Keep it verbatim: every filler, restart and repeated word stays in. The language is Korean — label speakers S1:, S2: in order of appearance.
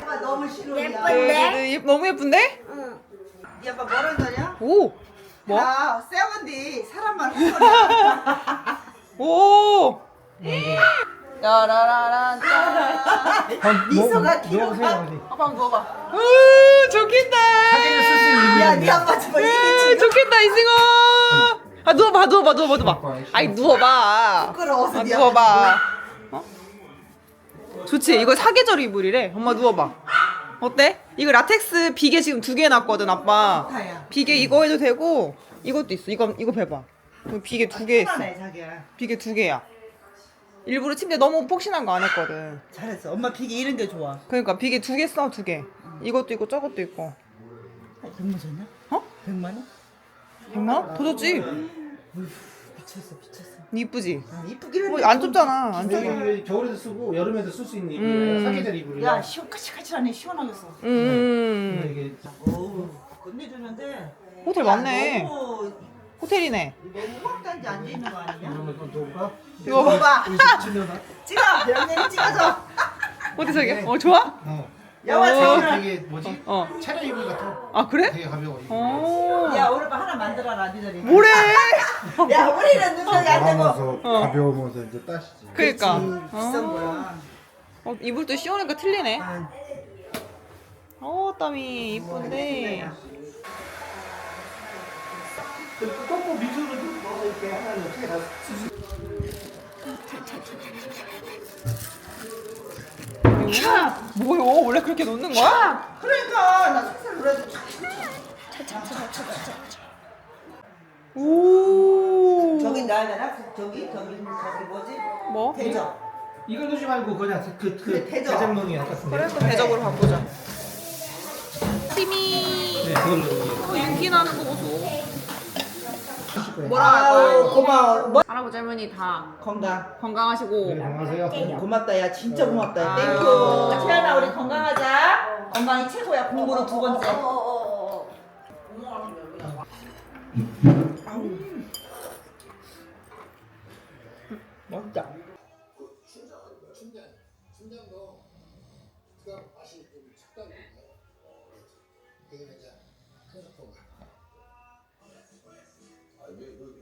S1: 아빠 너무 싫어.
S2: 예쁜데?
S3: 예, 너무 예쁜데?
S2: 응.
S1: 네 아빠 뭐란 소리야?
S3: 오! 뭐?
S1: 아, 세븐디 사람만 헛소리야.
S3: 오! 야라라란
S1: 미소가 키로가.
S3: 아빠 누워봐. 으 좋겠다.
S4: 사진을 쓸 수 있는
S1: 야, 네 아빠 정말 이게
S3: 으
S1: 지금
S3: 좋겠다 이승호. 아 누워봐 누워봐 누워봐 누워봐. 아이 누워봐.
S1: 부끄러워서
S3: 아,
S1: 네
S3: 누워봐. 어? 좋지 이거 사계절 이불이래. 엄마 누워봐. 어때? 이거 라텍스 비계 지금 두 개 해놨거든 아빠.
S1: 좋다야.
S3: 비계 이거 해도 되고 이것도 있어. 이거 이거 봐봐. 여기 비계 두 개 있어.
S1: 편하네, 자기야.
S3: 비계 두 개야. 일부러 침대 너무 폭신한 거 안 했거든.
S1: 잘했어. 엄마 비계 이런 게 좋아.
S3: 그러니까 비계 두 개 써, 두 개. 이것도 있고 저것도 있고.
S1: 백만 줬냐?
S3: 어?
S1: 백만 원?
S3: 백만 원? 더 줬지?
S1: 미쳤어, 미쳤어.
S3: 이쁘지?
S1: 아, 이쁘긴
S3: 뭐
S1: 한데.
S3: 안 좁잖아. 안 좁아.
S4: 여기 겨울에도 쓰고 여름에도 쓸 수 있는
S3: 음.
S4: 이불이야. 사계절 이불이야.
S1: 야, 시원까칠까칠하네. 시원하겠어.
S3: 음.
S4: 이게
S1: 어우, 끝내주는데.
S3: 호텔
S1: 야,
S3: 맞네.
S1: 너무,
S3: 호텔이네.
S1: 너무 확단지 앉아있는 거 아니냐?
S4: 이러면 또 누울까?
S3: 이거 봐.
S1: 봐봐.
S4: 치려나?
S1: 찍어! 명령이 찍어줘.
S3: 어디 저기? 어 좋아?
S4: 어.
S1: 야와
S3: 어.
S1: 자기는.
S4: 되게 뭐지?
S3: 어.
S4: 차려 이불 같아.
S3: 아 그래?
S4: 되게 가벼워. 이거.
S3: 어.
S1: 야, 오늘 밤 하나 만들어라, 니들이.
S3: 뭐래?
S1: 야, 우리는 눈썹이 안 되고.
S5: 하면서
S3: 어.
S5: 가벼우면서 이제 따시지.
S3: 그러니까.
S1: 비싼
S3: 어.
S1: 거야.
S3: 어, 이불도 씌우니까 틀리네.
S1: 아,
S3: 어 땀이 이쁜데.
S4: 꺾고 밑으로 좀 넣어서 이렇게 하면 어떻게 다 쓰지?
S3: 뭐요? 원래 그렇게 놓는 거야?
S1: 그러니까 나 속살 놀라서
S3: 오.
S1: 저기 놔야 되나? 저기 저기 저기 뭐지?
S3: 뭐?
S1: 대접.
S4: 이걸 넣지 말고 그냥 그, 그
S1: 그래, 대접.
S4: 대장명이 같은데.
S3: 그래 그럼 대접으로 바꾸자. 팀이
S4: 네, 그걸 넣는
S3: 어, 윤기 나는 거 보소.
S4: 거예요.
S3: 뭐라 할까요?
S1: 아우 고마워. 뭐?
S3: 할아버지 할머니 다
S1: 건강.
S3: 건강하시고
S4: 네, 안녕하세요.
S1: 고맙다 야 진짜 고맙다.
S3: 아.
S1: 땡큐. 태연아 우리 건강하자. 건강이 최고야. 공부는 두 번째. 맛있다.
S6: 아, 왜, 왜,